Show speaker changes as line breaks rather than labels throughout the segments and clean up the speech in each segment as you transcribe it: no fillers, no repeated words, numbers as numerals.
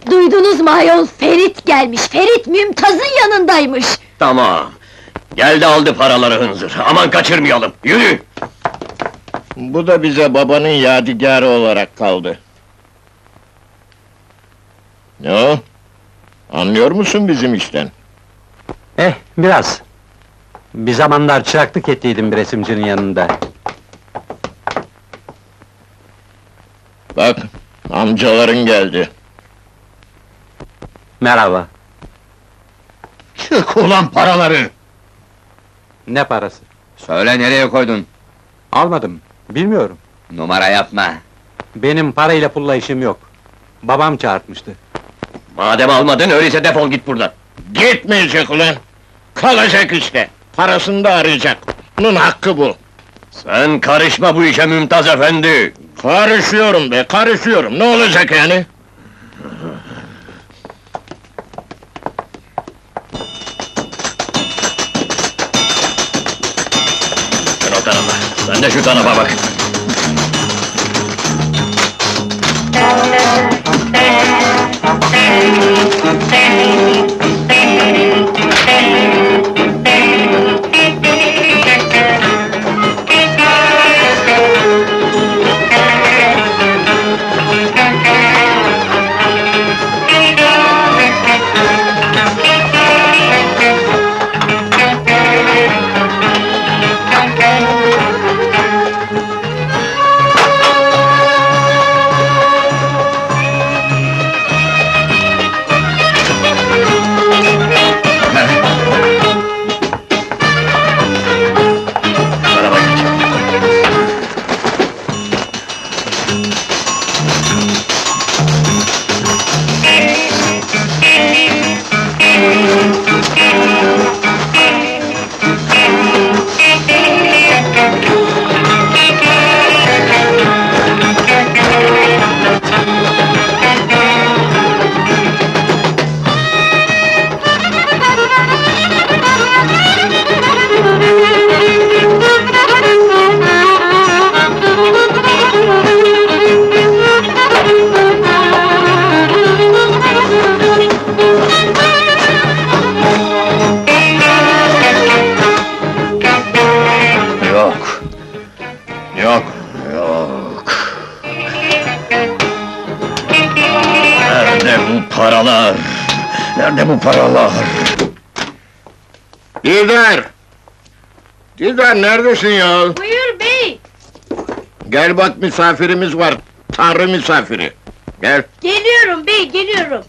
Duydunuz mu ayol? Ferit gelmiş, Ferit Mümtaz'ın yanındaymış!
Tamam! Geldi aldı paraları hınzır, aman kaçırmayalım, yürü!
Bu da bize babanın yadigarı olarak kaldı. Ne o? Anlıyor musun bizim işten?
Biraz. Bir zamanlar çıraklık ettiydim bir resimcinin yanında.
Bak, amcaların geldi.
Merhaba.
Çık ulan paraları!
Ne parası?
Söyle nereye koydun?
Almadım, bilmiyorum.
Numara yapma!
Benim parayla pulla işim yok. Babam çağırtmıştı.
Madem almadın, öyleyse defol git buradan!
Gitmeyecek ulan! Kalacak işte! Parasını da arayacak! Bunun hakkı bu!
Sen karışma bu işe Mümtaz efendi!
Karışıyorum be, karışıyorum! Ne olacak yani?
Sen o tarafa, sen de şu tarafa bak! Tarafa geç! Yok! Yok! Yok! Nerede bu paralar? Nerede bu paralar?
Didar! Didar neredesin ya?
Buyur bey!
Gel bak misafirimiz var, Tanrı misafiri! Gel!
Geliyorum bey, geliyorum!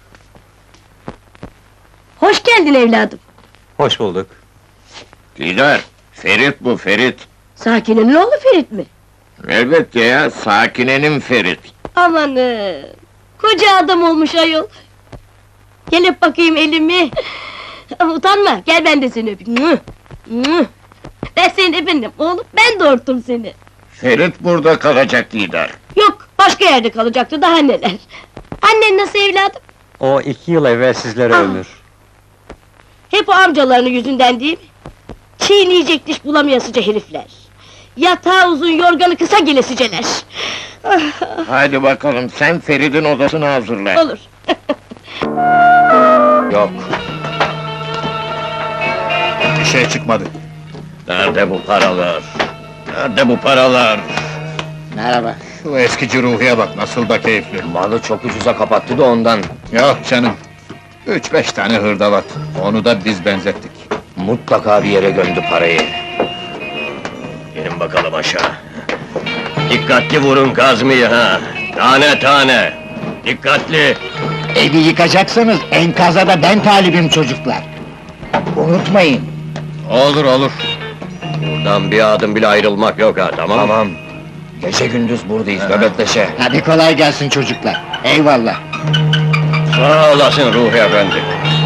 Hoş geldin evladım!
Hoş bulduk.
Didar! Ferit bu, Ferit!
Sakine'nin oğlu Ferit mi?
Elbette ya, Sakine'nin Ferit!
Amanın! Koca adam olmuş ayol! Gel öp bakayım elimi! Utanma, gel ben de seni öpeyim! Mwah! Mwah! Ben senin efendim, oğlum, ben doğurttum seni!
Ferit burada kalacak Didar!
Yok, başka yerde kalacaktı, daha neler! Annen nasıl evladım?
O 2 yıl evvel sizlere
Ah!
ömür.
Hep o amcalarının yüzünden değil mi? Çiğneyecek diş bulamayasıca herifler! Yatağı uzun, yorganı kısa gelesiceler! Ah,
Hadi bakalım, sen Ferit'in odasını hazırla!
olur!
Yok!
Bir şey çıkmadı!
Nerede bu paralar? Nerede bu paralar?
Merhaba! Şu eskici Ruhi'ye bak, nasıl da keyifli!
Malı çok ucuza kapattı da ondan.
Yok canım! 3-5 tane hırdavat, onu da biz benzettik!
Mutlaka bir yere gömdü parayı. İnin bakalım aşağı. Dikkatli vurun kazmayı ha! Tane tane! Dikkatli!
Evi yıkacaksanız enkaza da ben talibim çocuklar. Unutmayın.
Olur olur!
Buradan bir adım bile ayrılmak yok ha, tamam? Tamam. Gece gündüz buradayız, nöbetleşe.
Hadi kolay gelsin çocuklar. Eyvallah.
Sağ olasın Ruhi efendi.